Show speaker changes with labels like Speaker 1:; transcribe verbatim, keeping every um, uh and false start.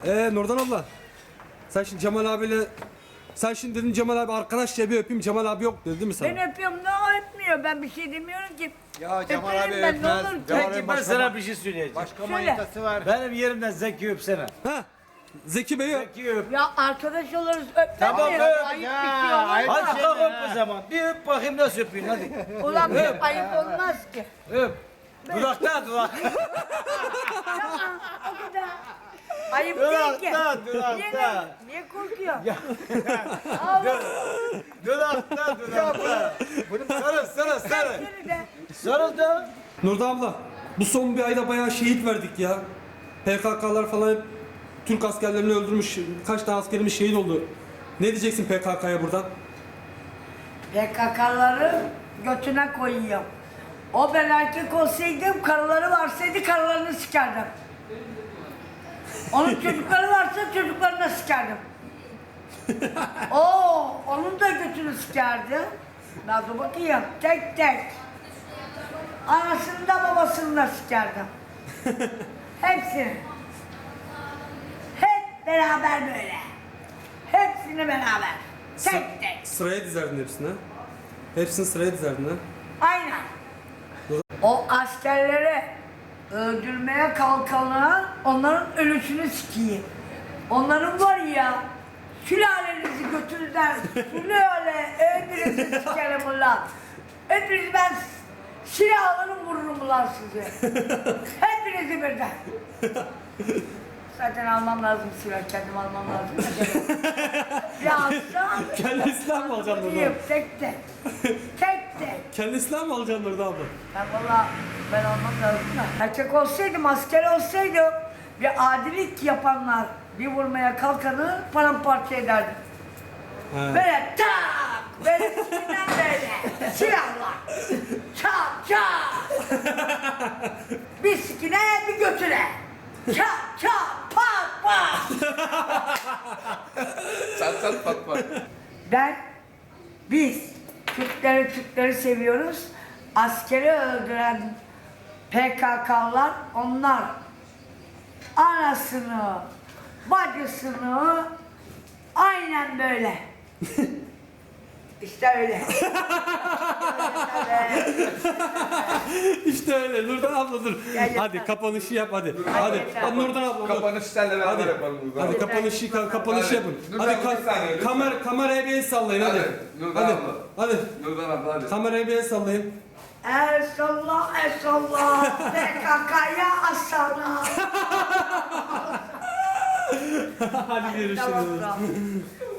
Speaker 1: Ee Nurdan abla. Sen şimdi Cemal abiyle sen şimdi dedin Cemal abi arkadaşça bir öpeyim, Cemal abi yok dedi değil mi sana?
Speaker 2: Ben öpüyorum ne o öpmüyor ben bir şey demiyorum ki.
Speaker 3: Ya Cemal
Speaker 2: Öperim
Speaker 3: abi
Speaker 2: ben, ne
Speaker 3: öpmez.
Speaker 2: olur.
Speaker 3: Cemal
Speaker 4: Peki
Speaker 3: abi
Speaker 4: ben
Speaker 3: başka,
Speaker 4: sana bir şey söyleyeceğim.
Speaker 3: başka
Speaker 2: Söyle.
Speaker 3: manitası var.
Speaker 4: Benim yerimden Zeki öpsene.
Speaker 1: Ha? Zeki Bey'i öp.
Speaker 4: Zeki öp.
Speaker 2: Ya arkadaş oluruz öpmem
Speaker 4: Tamam,
Speaker 2: ya.
Speaker 4: öp.
Speaker 2: Ayıp
Speaker 3: Ya,
Speaker 2: bir şey olmaz.
Speaker 3: ayıp.
Speaker 4: Hadi
Speaker 3: şey
Speaker 4: kalk
Speaker 3: mi
Speaker 4: öp
Speaker 3: ha?
Speaker 4: o zaman. Bir öp bakayım nasıl öpeyim hadi.
Speaker 2: Ulan bir ayıp olmaz ki.
Speaker 4: Öp. Dudakta dudak.
Speaker 2: O kadar. Ayıp değil ki.
Speaker 4: Dudakta
Speaker 2: Niye,
Speaker 4: dudakta.
Speaker 2: niye korkuyor? Allah
Speaker 4: Dudakta dudakta. Sarıl sarıl sarıl.
Speaker 2: seni de.
Speaker 4: Sarıl da.
Speaker 1: Nurdan abla, bu son bir ayda bayağı şehit verdik ya. P K K'lar falan hep Türk askerlerini öldürmüş. Kaç tane askerimiz şehit oldu. Ne diyeceksin P K K'ya buradan?
Speaker 2: P K K'ları götüne koyuyor. O ben erkek olsaydım, karıları varsaydı karılarını sikerdim. Onun çocukları varsa çocuklarını sikerdim. Oo, onun da götünü sikerdi. Nasıl bakayım, tek tek. Anasını da babasını da sikerdim. Hepsini. Hep beraber böyle. Hepsini beraber. Tek tek.
Speaker 1: Sıraya dizerdin hepsini ha? Hepsini sıraya dizerdin ha?
Speaker 2: Aynen. O askerleri öldürmeye kalkanlar onların ölüsünü sikeyim. Onların var ya sülalenizi götürürler. Sülale hepinizi sikerim ulan. Hepinizi ben silah alırım vururum ulan sizi. Hepinizi birden. Zaten almam lazım silah, kendim almam lazım. Ya alsam.
Speaker 1: Kendi silah mı alacaksın Nurdan abla?
Speaker 2: Tek tek. Tek tek.
Speaker 1: Kendi silah mı alacaksın Nurdan abla?
Speaker 2: Ben valla ben olmam lazım da. Erkek olsaydım, asker olsaydım bir adilik yapanlar bir vurmaya kalkanı paramparça ederdim.
Speaker 1: He.
Speaker 2: Böyle tak! Böyle sikinden böyle. Silahla. Çat çat! Bir sikine bir götüne. Çat çat pat pat!
Speaker 5: Çat çat pat pat.
Speaker 2: Ben, biz Türkleri Türkleri seviyoruz. Askeri öldüren P K K'lar onlar anasını, bacısını aynen böyle. İşte öyle.
Speaker 1: İşte öyle Nurdan abla dur.
Speaker 2: Gel yeter.
Speaker 1: Hadi kapanışı yap hadi. Hadi.
Speaker 2: yeter.
Speaker 1: Hadi Nurdan abla. dur.
Speaker 5: Kapanış senle beraber
Speaker 1: Hadi.
Speaker 5: yapalım burada.
Speaker 1: Hadi kapanışı ka- kapanışı
Speaker 5: Hadi.
Speaker 1: yapın.
Speaker 5: Nurdan
Speaker 1: Hadi
Speaker 5: abla, bir saniye,
Speaker 1: ka-
Speaker 5: lütfen.
Speaker 1: kamer kameraya bir el sallayın hadi.
Speaker 5: Hadi, Nurdan
Speaker 1: Hadi.
Speaker 5: abla.
Speaker 1: Hadi.
Speaker 5: Nurdan abla hadi.
Speaker 1: Kameraya bir el sallayın.
Speaker 2: Esallah esallah P K K'ya asana.
Speaker 1: Hadi görüşürüz.
Speaker 2: Tamam, tamam.